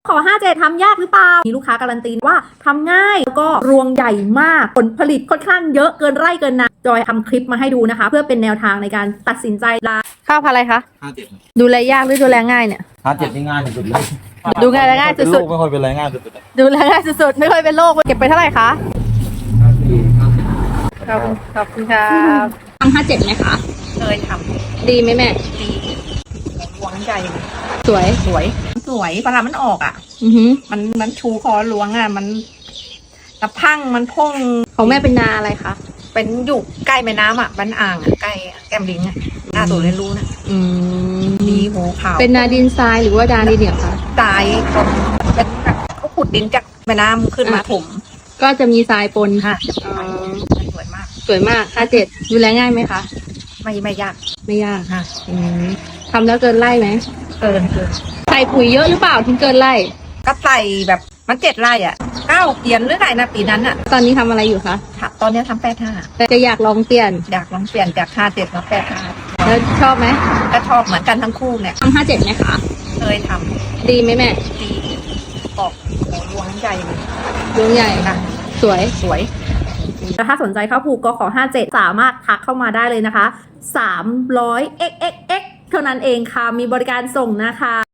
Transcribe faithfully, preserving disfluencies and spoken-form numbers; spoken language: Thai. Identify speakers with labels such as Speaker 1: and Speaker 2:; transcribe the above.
Speaker 1: ขอห้าเจ็ดทำยากหรือเปล่ามีลูกค้าการันตีว่าทำง่ายแล้วก็รวงใหญ่มากผลผลิตค่อนข้างเยอะเกินไร่เกินนาจอยทำคลิปมาให้ดูนะคะ เพื่อเป็นแนวทางในการตัดสินใจลาข้าวพันธุ์อะไรคะ
Speaker 2: ห้าเจ็ด
Speaker 1: ดูแลยากหรือดูแลง่ายเนี่ย
Speaker 2: ห้าเจ็ดนี่ง่ายสุดเลย
Speaker 1: ดูง่ายและง่ายสุด
Speaker 2: ๆไม่ค่อยเป็นไรง่ายสุด
Speaker 1: ๆดูแลง่ายสุดๆไม่ค่อยเป็นโรคเก็บไปเท่าไหร่คะขอบคุณขอบคุณครับทำห้าเจ็ดไหมคะ
Speaker 3: เคยทำ
Speaker 1: ดีไหมแม่
Speaker 3: ดีหวงใจ
Speaker 1: สวย
Speaker 3: สวยสวยปลามันออกอ่ะ
Speaker 1: อือหือ
Speaker 3: มันมันชูคอหลวงอ่ะมันกระพังมันพ่ง
Speaker 1: ของแม่เป็นนาอะไรคะ
Speaker 3: เป็นอยู่ใกล้แม่น้ำอ่ะบ้านอ่างอ่ะใกล้แก้มลิงอ่ะหน้าตัวเรียนรู้นะ
Speaker 1: อืม
Speaker 3: ดีโหขาว
Speaker 1: เป็นนาดินทรายหรือว่านาดินเหนียวคะ
Speaker 3: ทรายคนเป็นแบบเขาขุดดินจากแม่น้ำขึ้นมาถม
Speaker 1: ก็จะมีทรายปน
Speaker 3: ค่ะ
Speaker 1: ส
Speaker 3: วยมาก
Speaker 1: สวยมากห้าเจ็ดดูแลง่ายไหมคะ
Speaker 3: ไม่ไม่ยาก
Speaker 1: ไม่ยาก
Speaker 3: ค่ะ
Speaker 1: ทำแล้วเกินไร่ไหม
Speaker 3: เกินเกิน
Speaker 1: ใส่ปุ๋ยเยอะหรือเปล่าถึงเกินไร่
Speaker 3: ก็ใส่แบบมันเจ็ดไร่อ่ะเก้าเปลี่ยนหรือไงนะปีนั้นอ่ะ
Speaker 1: ตอนนี้ทำอะไรอยู่คะ
Speaker 3: ตอนนี้ทำแปดห้า
Speaker 1: แต่จะอยากลองเปลี่ยน
Speaker 3: อยากลองเปลี่ยนจากห้าเจ็ดมาแปดห้า
Speaker 1: แล้วชอบไหม
Speaker 3: ก็ชอบเหมือนกันทั้งคู่เนี่ย
Speaker 1: ทำห้าเจ็ดไหมคะ
Speaker 3: เคยท
Speaker 1: ำดีไหมแม่
Speaker 3: ดีออกรวงใหญ่
Speaker 1: รวงใหญ่
Speaker 3: ค่ะ
Speaker 1: สวย
Speaker 3: สวย
Speaker 1: ถ้าสนใจเข้าผูกก็ขอห้าเจ็ดสามารถทักเข้ามาได้เลยนะคะสามร้อย เอ็กซ์ เอ็กซ์ เอ็กซ์ เท่านั้นเองค่ะมีบริการส่งนะคะ